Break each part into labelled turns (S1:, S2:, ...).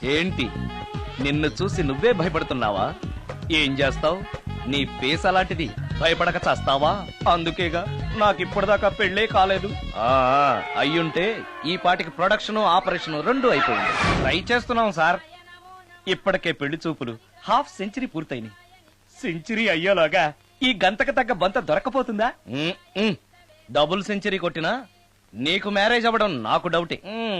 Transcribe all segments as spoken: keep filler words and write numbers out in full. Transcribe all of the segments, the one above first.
S1: ఏంటి నిన్ను చూసి నువ్వే భయపడుతున్నావా? ఏం చేస్తావు? నీ ఫేస్ అలాంటిది, భయపడక చేస్తావా? అందుకేగా నాకిప్పటిదాకా పెళ్లే కాలేదు. ఆ అయ్యుంటే ఈ పాటికి ప్రొడక్షన్ ఆపరేషన్ రెండు అయిపోయింది. ట్రై చేస్తున్నాం సార్. ఇప్పటికే పెళ్లి చూపులు హాఫ్ సెంచరీ పూర్తయినాయి. సెంచరీ అయ్యేలాగా ఈ గంతకు తగ్గ బంత దొరకపోతుందా? డబుల్ సెంచరీ కొట్టినా నీకు మ్యారేజ్ అవ్వడం నాకు డౌటే.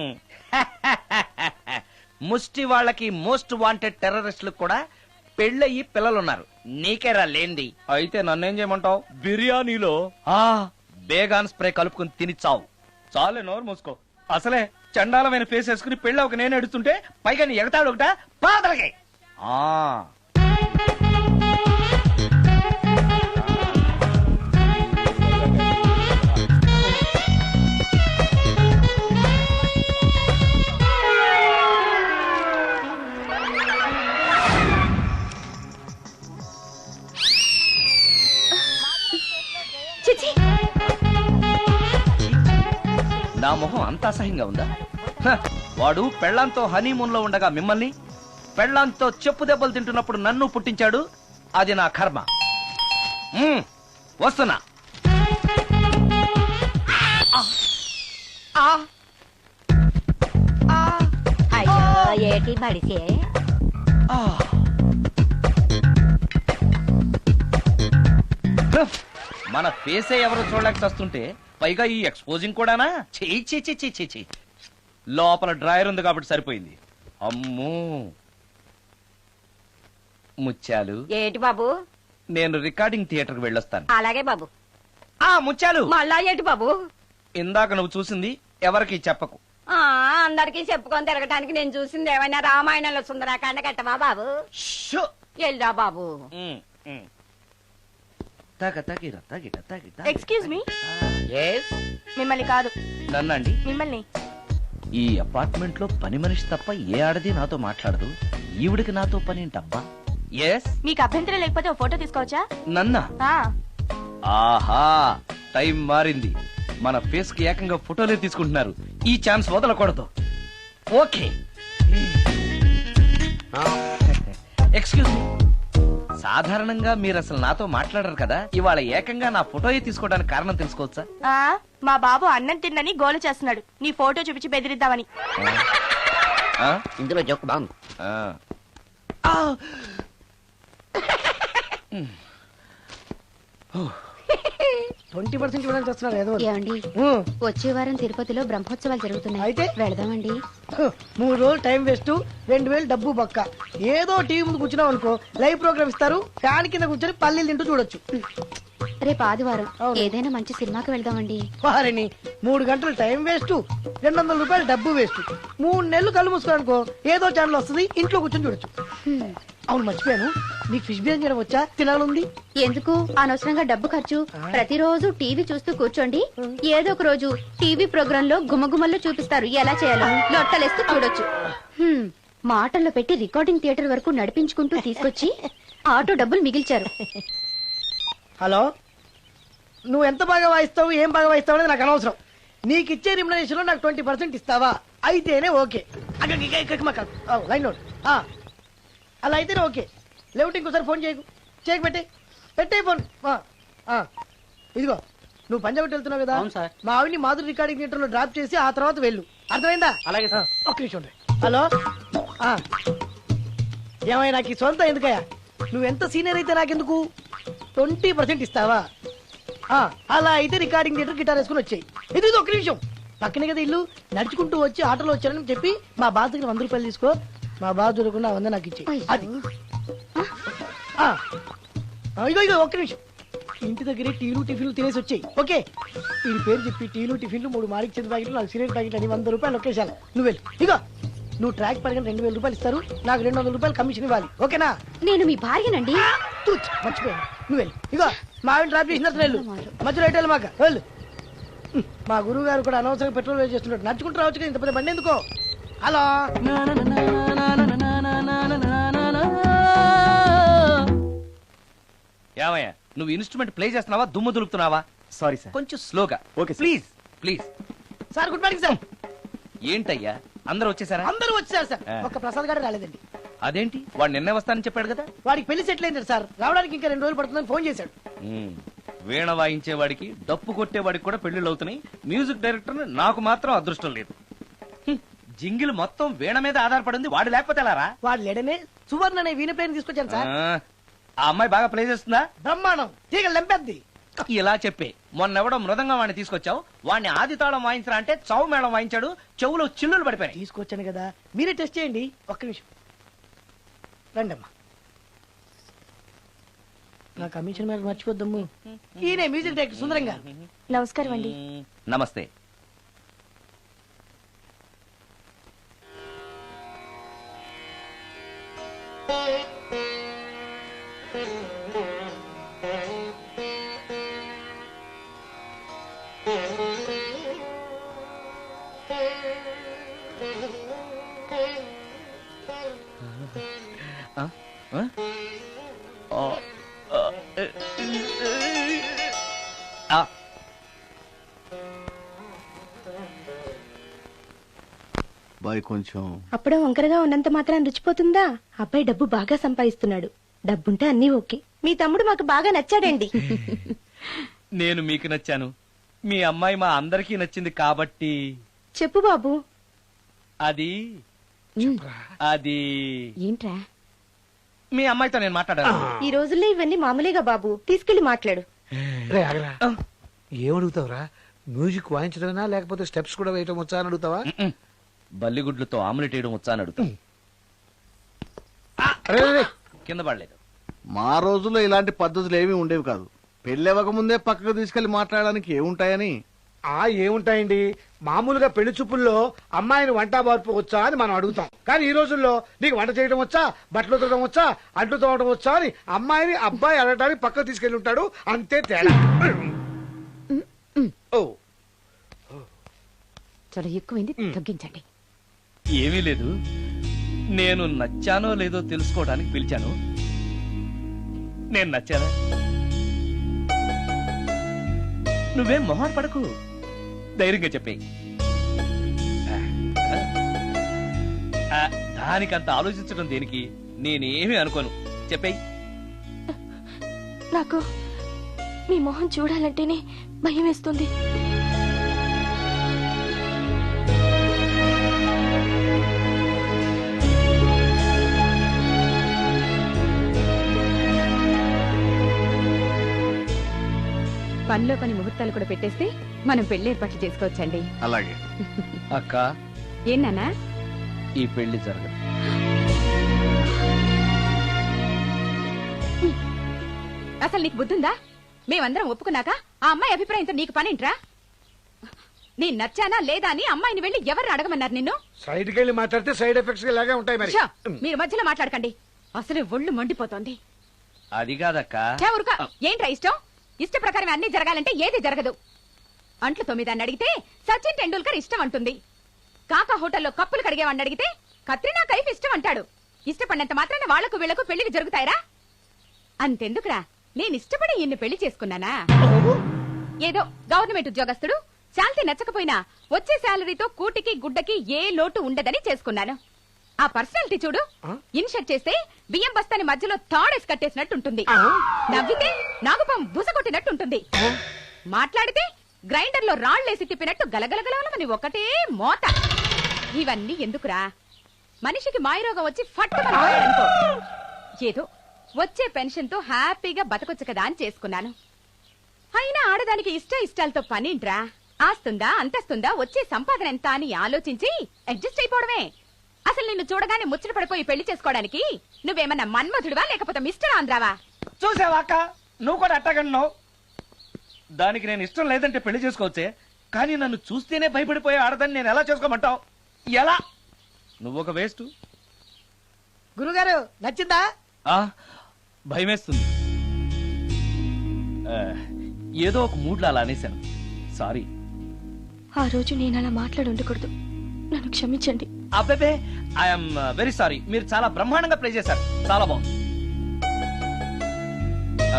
S1: ముష్టి వాళ్ళకి మోస్ట్ వాంటెడ్ టెర్రరిస్టులకు కూడా పెళ్ళయి పిల్లలున్నారు. నీకేరా లేంది. అయితే నన్నేం చేయమంటావు? బిర్యానీలో ఆ బేగాన్ స్ప్రే కలుపుకుని తిని చావు. చాలే, నోరు మూసుకో. అసలే చండాలమైన ఫేస్ వేసుకుని పెళ్ళి ఒక నేను ఎడుతుంటే పైగా నీ ఎగతాడు ఒకట పాదలకి. ఆ నా మొహం అంత అసహ్యంగా ఉందా? వాడు పెళ్లాంతో హనీమూన్ లో ఉండగా మిమ్మల్ని, పెళ్లాంతో చెప్పు దెబ్బలు తింటున్నప్పుడు నన్ను పుట్టించాడు. అది నా కర్మ. వస్తున్నా.
S2: ఏటి బడిసే
S1: మన ఫేసే ఎవరు చూడలేక వస్తుంటే పైగా ఈ ఎక్స్పోజింగ్ కూడానా? చెయ్యి చెయ్యి చెయ్యి చెయ్యి. లోపల డ్రాయర్ ఉంది కాబట్టి సరిపోయింది. అమ్మో ముత్యాలు.
S2: ఏటి బాబు?
S1: నేను రికార్డింగ్ థియేటర్ కి వెళ్ళొస్తాను.
S2: అలాగే బాబు.
S1: ఆ ముత్యాలు,
S2: మళ్ళా ఏటి బాబు?
S1: ఇందాక నువ్వు చూసింది ఎవరికి చెప్పకు.
S2: ఆ అందరికి చెప్పుకొని తిరగటానికి నేను చూసింది ఏమైనా రామాయణంలో సుందరాకాండ కట్టవా బాబు? ఎల్దా బాబు.
S3: Excuse me. మిమ్మల్ని కాదు.
S1: నన్నండి?
S3: మిమ్మల్ని.
S1: ఈ అపార్ట్మెంట్ లో పని మనిషి తప్ప ఏ ఆడది నాతో మాట్లాడదు. ఈవిడికి నాతో పని ఏంటబ్బా? ఎస్.
S3: మీకు అభ్యంతరం లేకపోతే ఓ ఫోటో తీసుకోవచ్చా?
S1: నన్నా?
S3: ఆ.
S1: ఆహా, టైం మారింది. మన ఫేస్ కి ఏకంగా ఫోటోలే తీసుకుంటున్నారు. ఈ ఛాన్స్ వదలకూడదు. ఓకే. Excuse me. సాధారణంగా మీరు అసలు నాతో మాట్లాడరు కదా, ఇవాళ ఏకంగా నా ఫోటోయే తీసుకోవడానికి కారణం తెలుసుకోవచ్చా?
S3: ఆ మా బాబు అన్నం తిన్నని గోలు చేస్తున్నాడు. నీ ఫోటో చూపించి బెదిరిద్దామని.
S2: ఇందులో జోక్ బాగుంది.
S4: ట్వంటీ పర్సెంట్ ఇవ్వడానికి వస్తున్నారు ఏదో.
S5: ఏమండి, వచ్చే వారం తిరుపతిలో బ్రహ్మోత్సవాలు జరుగుతున్నాయి.
S4: అయితే
S5: వెళదామండి.
S4: మూడు రోజులు టైం వేస్ట్, రెండు వేలు డబ్బు బక్క. ఏదో టీవీ ముందు కూర్చున్నావు అనుకో, లైవ్ ప్రోగ్రామ్ ఇస్తారు, ఫ్యాన్ కింద కూర్చొని పల్లీలు తింటూ చూడొచ్చు.
S5: రేపు ఆదివారం ఏదైనా మంచి సినిమాకి వెళ్దామండి.
S4: వారిని మూడు గంటలు టైం వేస్ట్, రెండు వందల రూపాయలు డబ్బు వేస్ట్. మూడు నెలలు కళ్ళు మూసుకోనుకో, ఏదో ఛానల్ వస్తుంది, ఇంట్లో కూర్చొని చూడొచ్చు. అవును, మర్చిపోయాను, నీకు ఫిష్ బిర్యానీ చేయడం వచ్చా? తినాలుంది.
S5: ఎందుకు అనవసరంగా డబ్బు ఖర్చు? ప్రతిరోజు టీవీ చూస్తూ కూర్చోండి, ఏదో ఒక రోజు టీవీ ప్రోగ్రామ్ లో గుమ్మగుమ్మల్లో చూపిస్తారు ఎలా చేయాలో. లొట్టలేస్తూ చూడొచ్చు. మాటల్లో పెట్టి రికార్డింగ్ థియేటర్ వరకు నడిపించుకుంటూ తీసుకొచ్చి ఆటో డబ్బులు మిగిల్చారు.
S4: హలో, నువ్వు ఎంత బాగా వాయిస్తావు, ఏం బాగా వాయిస్తావు అనేది నాకు అనవసరం. నీకు ఇచ్చే రిమ్యునరేషన్ లో నాకు ట్వంటీ పర్సెంట్ ఇస్తావా? అయితేనే ఓకే. Line note. అలా అయితేనే ఓకే. లేవుటి ఇంకోసారి ఫోన్ చేయకు. చేయకు, పెట్టే పెట్టే ఫోన్. ఇదిగో, నువ్వు పంజాబ్ వెళ్తున్నావు కదా, మా ఆవిని మాధురి రికార్డింగ్ థియేటర్ లో డ్రాప్ చేసి ఆ తర్వాత వెళ్ళు. అర్థమైందా? అలాగే. ఒక్క నిమిషం. హలో, ఏమై నాకు ఈ సొంత ఎందుకయ్యా? నువ్వెంత సీనియర్ అయితే నాకెందుకు? ట్వంటీ పర్సెంట్ ఇస్తావా? అలా అయితే రికార్డింగ్ థియేటర్ గిటార్ వేసుకుని వచ్చాయి. ఇది ఒక్క నిమిషం. పక్కనే కదా ఇల్లు, నడుచుకుంటూ వచ్చి ఆటోలో వచ్చానని చెప్పి మా బాధ దగ్గర వంద రూపాయలు తీసుకో. మా బాధ దొరకకుండా వంద నాకు ఇచ్చే. అది ఇగో ఇగో ఒక్క నిమిషం. ఇంటి దగ్గరే టీలు టిఫిన్లు తినేసి వచ్చాయి. ఓకే, వీడి పేరు చెప్పి టీలు టిఫిన్లు, మూడు మారికి చెంది ప్యాకెట్లు, నాలుగు సిగరెట్ ప్యాకెట్లు అని వంద రూపాయలు ఒకేసారి. నువ్వు వెళ్ళి ఇగో, నువ్వు ట్రాక్ పడిన రెండు వేల రూపాయలు ఇస్తారు, నాకు రెండు వందల రూపాయలు కమిషన్ ఇవ్వాలి. ఓకేనా?
S5: నేను మీ భార్యనండి.
S4: మర్చిపోయాను. నువ్వు వెళ్ళి ఇగో, మా ఆవిడ డ్రాప్ చేసినట్టు వెళ్ళు. మధ్యలో ఎటు మాక వెళ్ళు. మా గురువు గారు కూడా అనవసరంగా పెట్రోల్ వేస్ట్ చేస్తున్నాడు. నడుచుకుంటూ రావచ్చు కదా, ఇంత పెద్ద బండి ఎందుకో. హలో,
S1: ఏమయ్యా, నువ్వు ఇన్స్ట్రుమెంట్ ప్లే చేస్తున్నావా, దుమ్ము దులుపుతున్నావా? సారీ సార్, కొంచెం స్లోగా. Okay please please.
S4: Sir good morning sir.
S1: ఏంటయ్యా అందరూ వచ్చేసారా?
S4: అందరూ వచ్చారు సార్,
S1: ఆ.
S4: ఒక్క ప్రసాద్ గారు రాలేదండి.
S1: అదేంటి వాడు నిన్నే వస్తానని చెప్పాడు కదా.
S4: వాడికి పెళ్లి సెటిల్ అయింది సార్, రావడానికి ఇంకా రెండు రోజులు పడుతుందని ఫోన్ చేశాడు.
S1: ఉమ్, వీణ వాయించేవాడికి డప్పు కొట్టేవాడికి కూడా పెళ్లిళ్ళు అవుతున్నాయి. మ్యూజిక్ డైరెక్టర్ నాకు మాత్రం అదృష్టం లేదు. హ్మ్, జింగిల్ మొత్తం వీణ మీద ఆధారపడింది, వాడు లేకపోతే ఎలారా?
S4: వాడు లేడనే సువర్ణ అనే వీణ ప్లేయర్ తీసుకొచ్చాను సార్.
S1: ఆ, ఆ అమ్మాయి బాగా ప్లే చేస్తుందా?
S4: బ్రహ్మాండం, తీగ లెంపెద్ది.
S1: ఇలా చెప్పే మొన్నెవడో మృదంగం వాడిని తీసుకొచ్చావు, వాడిని ఆది తాళం వాయించరా అంటే చౌ మేళం వాయించాడు, చెవులో చిల్లులు పడిపోయాయి.
S4: తీసుకొచ్చాను కదా, మీరే టెస్ట్ చేయండి. ఒక్క నిమిషం రండమ్మా. నా కమిషన్ మీద మర్చిపోద్దమ్ము. ఈయనే మ్యూజిక్ డైరెక్టర్ సుందరం గారు.
S3: నమస్కారం అండి.
S1: ఉమ్, నమస్తే. ఆ? ఆ? ఆ, ఆ, ఆ.
S6: బాయ్ కొంచెం
S3: అప్పుడే వంకరగా ఉన్నంత మాత్రం రుచిపోతుందా? అబ్బాయి డబ్బు బాగా సంపాదిస్తున్నాడు, డబ్బుంటే అన్నీ ఓకే. మీ తమ్ముడు మాకు బాగా నచ్చాడండి.
S1: నేను మీకు నచ్చాను, మీ అమ్మాయి మా అందరికీ నచ్చింది కాబట్టి.
S3: చెప్పు బాబు.
S1: అది అది
S3: ఏంట్రా?
S1: మీ అమ్మాయితో నేను మాట్లాడాను.
S3: ఈ రోజుల్లో ఇవన్నీ మామూలుగా బాబు, తీసుకెళ్లి మాట్లాడు.
S7: రే ఆగరా, ఏమడుగుతావురా? మ్యూజిక్ వాయించడమేనా లేకపోతే స్టెప్స్ కూడా వేయటం వచ్చా అని అడుగుతావా?
S1: మ్మ్. బల్లిగుడ్లతో ఆమ్లెట్ వేయడం వచ్చా అని అడుగుతా.
S7: అరే రే, రే.
S1: కింద పడలేదు.
S6: మా రోజుల్లో ఇలాంటి పద్ధతులు ఏమీ ఉండేవి కాదు. పెళ్ళెవక ముందే పక్కకు తీసుకెళ్లి మాట్లాడడానికి ఏముంటాయని.
S7: ఆ ఏముంటాయండి, మామూలుగా పెళ్లి చూపుల్లో అమ్మాయిని వంట మార్పు వచ్చా అని మనం అడుగుతాం. కానీ ఈ రోజుల్లో నీకు వంట చేయడం వచ్చా, బట్టలు ఉతకడం వచ్చా, అంట్లు తోవడం వచ్చా అని అమ్మాయిని అబ్బాయి అడగడానికి పక్కకు తీసుకెళ్లి ఉంటాడు, అంతే తేడా. ఓ
S5: చాలా ఎక్కువైంది, తగ్గించండి.
S1: ఏమీ లేదు, నేను నచ్చానో లేదో తెలుసుకోవడానికి పిలిచాను. నేను నచ్చానా? నువ్వేం మొహాన్ పడకు, ధైర్యంగా చెప్పేయి. ఆ, దానికంత ఆలోచించడం దేనికి? నేనేమీ అనుకోను, చెప్పేయి.
S3: నాకు మీ మొహం చూడాలంటేనే భయం వేస్తుంది.
S5: పనిలో పని ముహూర్తాలు కూడా పెట్టేస్తే మనం పెళ్లి ఏర్పాట్లు చేసుకోవచ్చండి.
S6: అలాగే
S1: అక్క,
S5: ఏనానా?
S1: ఈ పెళ్లి జరగదు.
S5: అసలు నీకు బుద్ధుందా? మేమందరం ఒప్పుకున్నాక ఆ అమ్మాయి అభిప్రాయంతో నీకు పనింట్రా? నేను నచ్చానా లేదా అని అమ్మాయిని వెళ్ళి ఎవరు అడగమన్నారు నిన్ను?
S7: సైడ్ కి వెళ్ళి మాట్లాడితే సైడ్ ఎఫెక్ట్స్ ఇలాగే ఉంటాయి మరి.
S5: ఛ, మీరు మధ్యలో మాట్లాడకండి, అసలు ఒళ్ళు మండిపోతోంది.
S1: అది కాదక్క.
S5: ఛ, ఊరుకో. ఏంట్రా ఇష్టం? ఇష్ట ప్రకారం అన్ని జరగాలంటే ఏది జరగదు. అంట్లు తొమ్మిదాన్ని అడిగితే సచిన్ టెండూల్కర్ ఇష్టం అంటుంది. కాకా హోటల్లో కప్పులు కడిగేవాడిని అడిగితే కత్రినా కైఫ్ ఇష్టం అంటాడు. ఇష్టపడినంత మాత్రాన వాళ్లకు వీళ్లకు పెళ్లికి జరుగుతాయరా? అంతెందుకురా, నేను ఇష్టపడి ఇన్ని పెళ్లి చేసుకున్నానా? ఏదో గవర్నమెంట్ ఉద్యోగస్తుడు, శాంతి నచ్చకపోయినా వచ్చే శాలరీతో కూటికి గుడ్డకి ఏ లోటు ఉండదని చేసుకున్నాను. ఆ పర్సనాలిటీ చూడు, ఇన్షర్ట్ చేస్తే బియ్యం బస్తాని మధ్యలో తాడేసి కట్టేసినట్టుంటుంది. నవ్వితే నాగుపం బుసకొట్టినట్టుంటుంది. మాట్లాడితే గ్రైండర్ లో రాళ్లేసి తిప్పినట్టు గలగలగలమని ఒకటే మోత. ఇవన్నీ ఎందుకురా? మనిషికి మాయరోగం వచ్చి ఫట్టుమని పోయాడనుకో, ఏదో వచ్చే పెన్షన్ తో హ్యాపీగా బతకొచ్చు కదా అని చేసుకున్నాను. అయినా ఆడదానికి ఇష్ట ఇష్టాలతో పనింట్రా? ఆస్తుందా, అంతస్తుందా, వచ్చే సంపాదన ఎంత అని ఆలోచించి అడ్జస్ట్ అయిపోవడమే. అసలు నిన్ను చూడగానే ముచ్చట పడిపోయి పెళ్లి చేసుకోవడానికి నువ్వేమన్నా మన్మధుడివా లేకపోతే మిస్టర్ ఆంధ్రావా?
S1: చూసావా అక్క, నువ్వు కూడా అట్టగన్నావు. దానికి నేను ఇష్టం లేదంటే పెళ్లి చేసుకోవచ్చే, కానీ నన్ను చూస్తేనే భయపడిపోయే ఆడదాన్ని నేను ఎలా చేసుకోమంటావు? ఎలా? నువ్వు ఒక వేస్ట్.
S4: గురుగారు నచ్చిందా?
S1: భయమేస్తుంది. ఆ, ఏదో ఒక మూడ్లో అలా అనేశాను, సారీ.
S3: ఆ రోజు నేను అలా మాట్లాడి ఉండకూడదు, నన్ను క్షమించండి.
S1: అబ్బే, ఐఎమ్ వెరీ సారీ. మీరు చాలా బ్రహ్మాండంగా ప్లే చేశారు, చాలా బాగుంది. ఆ,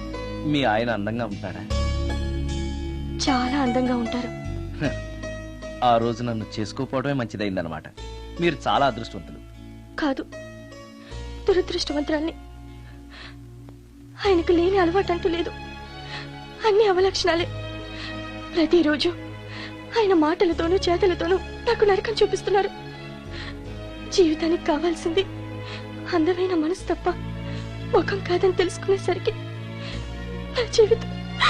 S1: మీ ఆయన అందంగా ఉంటాడా?
S3: చాలా అందంగా ఉంటారు.
S1: ఆ రోజు నన్ను చేసుకోపోవడమే మంచిదైందనమాట. మీరు చాలా అదృష్టవంతులు.
S3: కాదు, దురదృష్టవంతురాల్ని. ఆయనకు లేని అలవాటు అంటూ లేదు. అన్ని అవలక్షణాలే. ప్రతిరోజు ఆయన మాటలతోనూ చేతలతోనూ నాకు నరకం చూపిస్తున్నారు. జీవితానికి కావాల్సింది అందమైన మనసు తప్ప ముఖం కాదని తెలుసుకునేసరికి నా జీవితం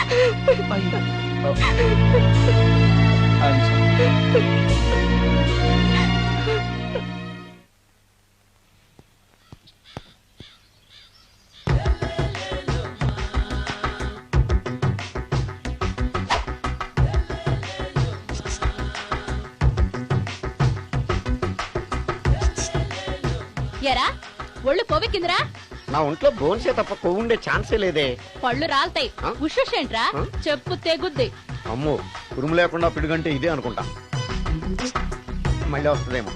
S5: ఎరా ఒళ్ళు కొవ్వెక్కిందిరా?
S8: నా ఒంట్లో బోన్సే తప్ప కొవ్వు ఉండే ఛాన్సే లేదే.
S5: పళ్ళు రాల్తాయి.
S8: ఆ?
S5: ఉషేంట్రా?
S8: ఆ?
S5: చెప్పు తెగుద్ది.
S8: అమ్మో, ఉరుము లేకుండా పిడుగంటే ఇదే అనుకుంటా. మళ్ళీ వస్తుందేమో.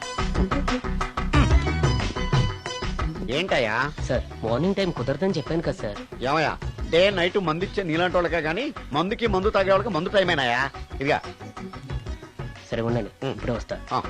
S8: ఏంటయ్యా?
S9: సార్ మార్నింగ్ టైం కుదరదని చెప్పాను కదా సార్.
S8: ఏమయ్యా, డే నైట్ మందు ఇచ్చే నీలాంటి వాళ్ళకే గానీ మందుకి మందు తాగే వాళ్ళకి మందు టైమేనాయా? ఇదిగా
S9: సరే ఉండండి, ఇప్పుడే వస్తా.
S8: ఆ,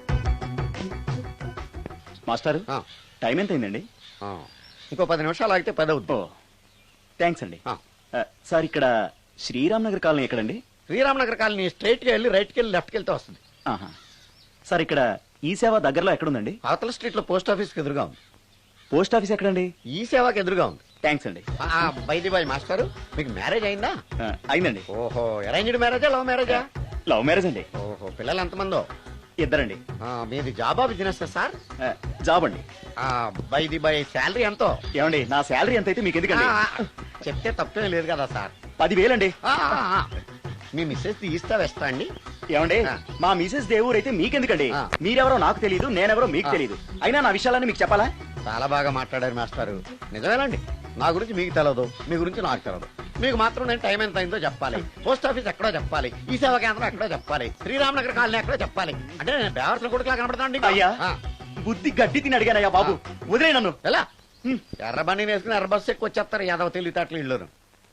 S10: మాస్టర్
S8: ఆ,
S10: టైం ఎంత అయిందండి?
S8: ఆ. ఇంకో పది నిమిషాలు ఆగితే పది అవుద్ది.
S10: థ్యాంక్స్ అండి.
S8: ఆ.
S10: ఆ, సార్ ఇక్కడ శ్రీరామ్ నగర్ కాలనీ ఎక్కడండి?
S8: శ్రీరామ్ నగర్ కాలనీ స్ట్రైట్ గా వెళ్ళి రైట్ కి వెళ్ళి లెఫ్ట్ కి వెళ్తే వస్తుంది.
S10: ఆహా. సార్ ఇక్కడ ఈ సేవ దగ్గరలో ఎక్కడుందండి?
S8: అవతల స్ట్రీట్ లో పోస్ట్ ఆఫీస్ కి ఎదురుగా ఉంది.
S10: పోస్ట్ ఆఫీస్ ఎక్కడండి?
S8: ఈ సేవకి ఎదురుగా ఉంది.
S10: థ్యాంక్స్ అండి.
S8: బైది బాయ్ మాస్టర్, మీకు మ్యారేజ్ అయిందా?
S10: ఆ, అయిందండి.
S8: ఓహో, అరేంజ్డ్ మ్యారేజా లవ్ మ్యారేజా?
S10: లవ్ మ్యారేజ్ అండి.
S8: ఓహో, పిల్లలు ఎంతమందో?
S10: ఇద్దరండి.
S8: ఆ, మీది జాబా బిజినెస్ సార్?
S10: ఆ, జాబ్ అండి.
S8: బైది బై శాలరీ ఎంతో?
S10: ఏమండి, నా శాలరీ ఎంత అయితే మీకు ఎందుకండి?
S8: ఆ, చెప్తే తప్పేం లేదు కదా సార్.
S10: పదివేలండి.
S8: ఆ, ఆ, ఆ. మీ మిస్సెస్ తీస్తా వేస్తా అండి.
S10: ఏమండి,
S8: ఆ.
S10: మా మిసెస్ దేవూర్ అయితే మీకెందుకండి?
S8: ఆ.
S10: మీరెవరో నాకు తెలియదు, నేనెవరో మీకు
S8: ఆ.
S10: తెలియదు. అయినా నా విషయాలని మీకు చెప్పాలా?
S8: చాలా బాగా మాట్లాడారు మాస్టారు. నిజమేనండి, నా గురించి మీకు తెలదు, మీ గురించి నాకు తెలదు. మీకు మాత్రం నేను టైం ఎంత అయిందో చెప్పాలి, పోస్ట్ ఆఫీస్ ఎక్కడో చెప్పాలి, ఈ సేవా కేంద్రం ఎక్కడో చెప్పాలి, శ్రీరామనగర్ కాలనీ ఎక్కడో చెప్పాలి. అంటే నేను బేవర్సన కొడుకులా కనబడతాను.
S10: అయ్యా, బుద్ధి గడ్డి తిని అడిగానయ్యా బాబు, వదిలే నన్ను.
S8: ఎలా ఎర్ర బండి వేసుకుని ఎర్ర బస్సు ఎక్కువ వచ్చేస్తారు యాదవ తెలివితేటలు ఇల్లు.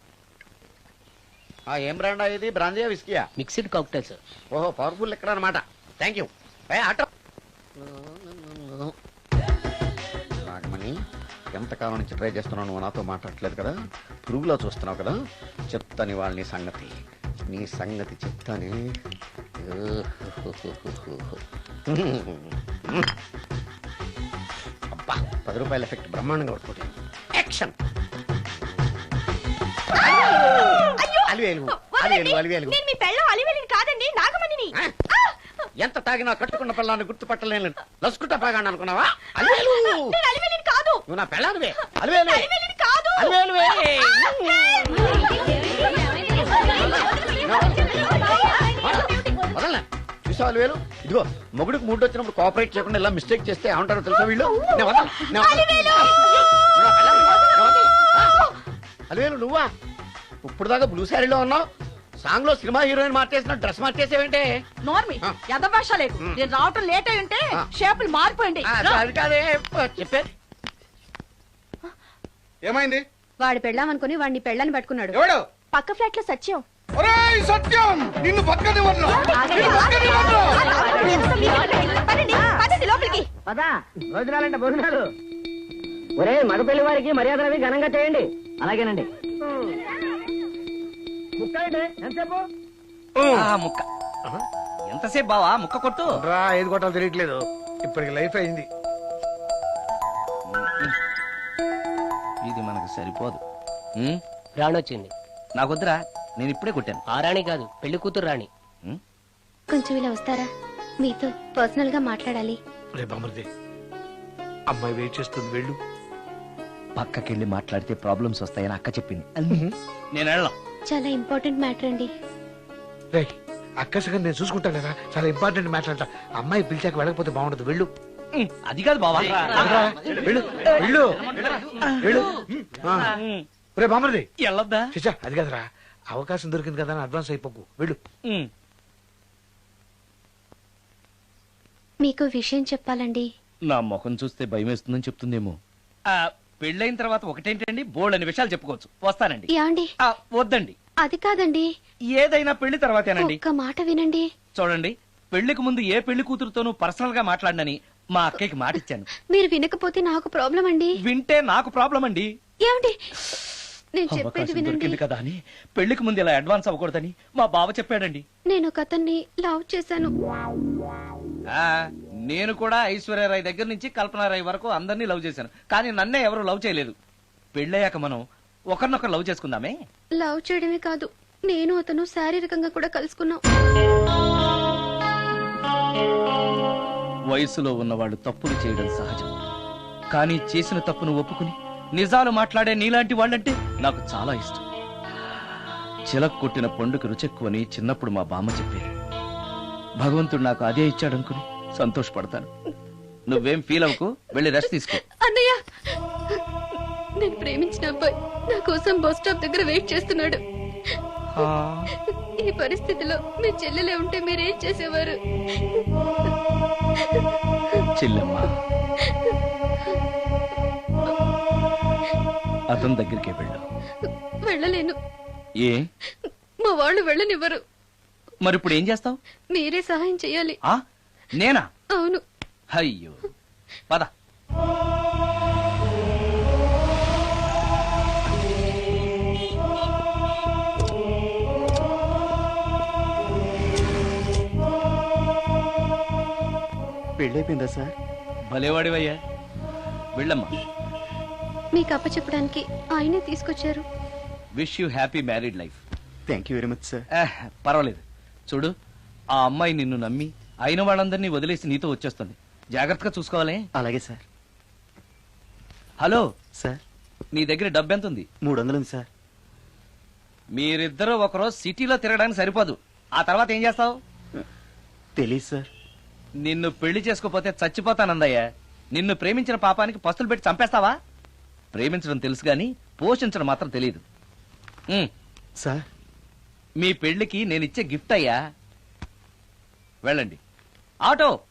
S8: ఏం బ్రాండా ఇది? బ్రాంజియా విస్కియా?
S9: Mixed cocktail sir.
S8: ఓహో, పవర్ఫుల్ ఎక్కడ అనమాట. Thank you. ఆటో నాగమణి, ఎంతకాలం నుంచి ట్రై చేస్తున్నావు, నువ్వు నాతో మాట్లాడట్లేదు కదా, పురుగులో చూస్తున్నావు కదా, చెప్తాని వాళ్ళ నీ సంగతి నీ సంగతి చెప్తాని. అబ్బా, పది రూపాయల ఎఫెక్ట్ బ్రహ్మాండంగా పడుతుంది. యాక్షన్. అలివేలు అలివేలు అలివేలు.
S3: నేను మీ పెళ్ళం అలివేలిని కాదండి, నాగమణిని.
S8: ఎంత తాగినా కట్టుకున్న పిల్లాన్ని గుర్తుపట్టలేను లసుకుంటా పాగాను అనుకున్నావా? అలివేలు
S3: నేను అలివేలిని కాదు.
S8: నువ్వు నా పెళ్ళానివే. అలివేలు
S3: అలివేలిని కాదు.
S8: అలివేలువే. వదలనా? చూసావా అలివేలు? ఇదిగో, మొగుడికి మూడు వచ్చినప్పుడు కోఆపరేట్ చేయకుండా ఇలా మిస్టేక్ చేస్తే ఏమంటారో తెలుసా వీళ్ళు? నేను వదలను, నేను వదలను. నువ్వు నా పెళ్ళానివి. నేను వదలను. అలివేలు నువ్వా? ఇప్పుడు దాకా బ్లూ శారీలో ఉన్నావు, సాంగ్ లో సినిమా హీరోయిన్ మార్చేసిన డ్రెస్ మార్చేసేవంటే?
S2: నోర్మి యథభాష లేదు. నేను రావటం లేట్ అయి ఉంటే షేపులు మారిపోయింది.
S8: అది కాదే చెప్పే.
S7: ఏమైంది?
S5: వాడు పెళ్ళామనుకుని వాడిని పెళ్ళని పట్టుకున్నాడు.
S7: ఎవడు?
S3: పక్క ఫ్లాట్ లో సత్యం.
S7: ఒరేయ్ సత్యం, నిన్ను పక్కనివ్వను. నిన్ను పక్కనివ్వను.
S3: పదండి, పదండి లోపలికి.
S9: పదా భోజనాలంటే భోజనాలు. ఒరే మగ పెళ్లి వారికి మర్యాదలవి ఘనంగా చేయండి. అలాగేనండి. ఎంతసేపు?
S1: ఆ, ముక్క ఎంతసేపు బావా? ముక్క కొట్టు.
S7: రా, ఏది కొట్టాలో తెలియట్లేదు. ఇప్పటికి లైఫ్ అయింది.
S1: ఇది మనకు సరిపోదు.
S9: రాణొచ్చింది.
S1: నాకొద్దురా, నేను ఇప్పుడే కొట్టాను.
S9: ఆ రాణి కాదు, పెళ్లి కూతురు రాణి.
S5: కొంచెం ఇలా వస్తారా? మీతో పర్సనల్ గా మాట్లాడాలి.
S7: రే బామర్ది, అమ్మాయి వెయిట్ చేస్తుంది, వెళ్ళు.
S1: పక్కకెళ్ళి మాట్లాడితే ప్రాబ్లమ్స్ వస్తాయని అక్క చెప్పింది. నేను వెళ్ళను.
S5: చాలా ఇంపార్టెంట్ మ్యాటర్ అండి.
S7: రే, అక్కసగా నేను చూసుకుంటాను కదా, చాలా ఇంపార్టెంట్ మ్యాటర్ అంట. అమ్మాయి పిలిచాక వెళ్ళకపోతే బాగుండదు, వెళ్ళు.
S1: అది కాదు బావా.
S7: రా, వెళ్ళు వెళ్ళు వెళ్ళు. ఆ. రే బామర్ది,
S1: వెళ్ళొద్దా?
S7: చిచ్చా అది కదరా, అవకాశం దొరికింది కదా అని అడ్వాన్స్ అయిపోకు, వెళ్ళు.
S5: మీకు విషయం చెప్పాలండి.
S1: నా ముఖం చూస్తే భయం వేస్తుందని చెప్తుందేమో. పెళ్ళైన తర్వాత ఒకటేంటండి, బోల్డ్ అనే విషయాలు చెప్పుకోవచ్చు. వస్తానండి.
S5: యాండి?
S1: వద్దండి,
S5: అది కాదండి,
S1: ఏదైనా పెళ్లి తర్వాతేనండి.
S5: ఒక్క మాట వినండి.
S1: చూడండి, పెళ్లికి ముందు ఏ పెళ్లి కూతురుతోనూ పర్సనల్ గా మాట్లాడనని మా అక్కకి మాటిచ్చాను.
S5: మీరు వినకపోతే నాకు ప్రాబ్లం అండి.
S1: వింటే నాకు ప్రాబ్లం అండి.
S5: ఏమండి, నేను చెప్పేది
S1: అవకాశం
S5: వినండి.
S1: దొరికింది కదా అని పెళ్లికి ముందు ఇలా అడ్వాన్స్ అవ్వకూడదని మా బావ చెప్పాడండి.
S5: నేను ఒక అతన్ని లవ్ చేశాను.
S1: ఆ నేను కూడా ఐశ్వర్యరాయ్ దగ్గర నుంచి కల్పనారాయ్ వరకు అందరినీ లవ్ చేశాను, కానీ నన్నే ఎవరు లవ్ చేయలేదు. పెళ్ళయ్యాక మనం ఒకరినొకరు లవ్ చేసుకుందామే.
S5: లవ్ చేయడమే కాదు, నేను అతను శారీరకంగా కూడా కలుసుకున్నాం.
S1: వయసులో ఉన్నవాళ్ళు తప్పులు చేయడం సహజం, కానీ చేసిన తప్పును ఒప్పుకుని నిజాలు మాట్లాడే నీలాంటి వాళ్ళంటే నాకు చాలా ఇష్టం. చిలక కొట్టిన పండుగ రుచెక్కువని చిన్నప్పుడు మా బామ్మ చెప్పేది. భగవంతుడు నాకు అదే ఇచ్చాడనుకుని సంతోషపడతాను. నువ్వేం ఫీల్ అవ్వకు, వెళ్ళి రెస్ట్ తీసుకో.
S5: అన్నయ్య, నేను ప్రేమించిన అబ్బాయి నా కోసం బస్ స్టాప్ దగ్గర వెయిట్ చేస్తున్నాడు. ఈ పరిస్థితిలో మీ చెల్లెలే ఉంటే మీరేం చేసేవారు?
S1: చెల్లెమ్మ, అతని దగ్గరికే వెళ్ళు.
S5: వెళ్ళలేను.
S1: ఏ?
S5: మా వాళ్ళు వెళ్ళనివ్వరు.
S1: మరి ఇప్పుడు ఏం చేస్తావు?
S5: మీరే సహాయం చేయాలి.
S1: ఆ నేనా?
S5: అవును.
S1: అయ్యో, పద.
S10: పెళ్ళైపోయిందా సార్?
S1: భలేవాడివయ్యా, వెళ్ళమ్మా.
S5: మీకు అప్పచెప్పడానికి ఆయనే తీసుకొచ్చారు.
S1: Wish you happy married life.
S10: Thank you very much sir.
S1: పర్వాలేదు. చూడు, ఆ అమ్మాయి నిన్ను నమ్మి అయిన వాళ్ళందరినీ వదిలేసి నీతో వచ్చేస్తుంది. జాగ్రత్తగా చూసుకోవాలి.
S10: అలాగే సార్.
S1: హలో
S10: సార్,
S1: నీ దగ్గర డబ్బు ఎంత ఉంది?
S10: మూడు వందలు ఉంది సార్.
S1: మీరిద్దరూ ఒకరోజు సిటీలో తిరగడానికి సరిపోదు. ఆ తర్వాత ఏం చేస్తావు?
S10: తెలీదు సార్.
S1: నిన్ను పెళ్లి చేసుకోపోతే చచ్చిపోతానందయ్యా. నిన్ను ప్రేమించిన పాపానికి పస్తులు పెట్టి చంపేస్తావా? ప్రేమించడం తెలుసు గాని పోషించడం మాత్రం తెలియదు. ఉమ్,
S10: సార్,
S1: మీ పెళ్లికి నేనిచ్చే గిఫ్ట్ అయ్యా. వెళ్ళండి. ఆటో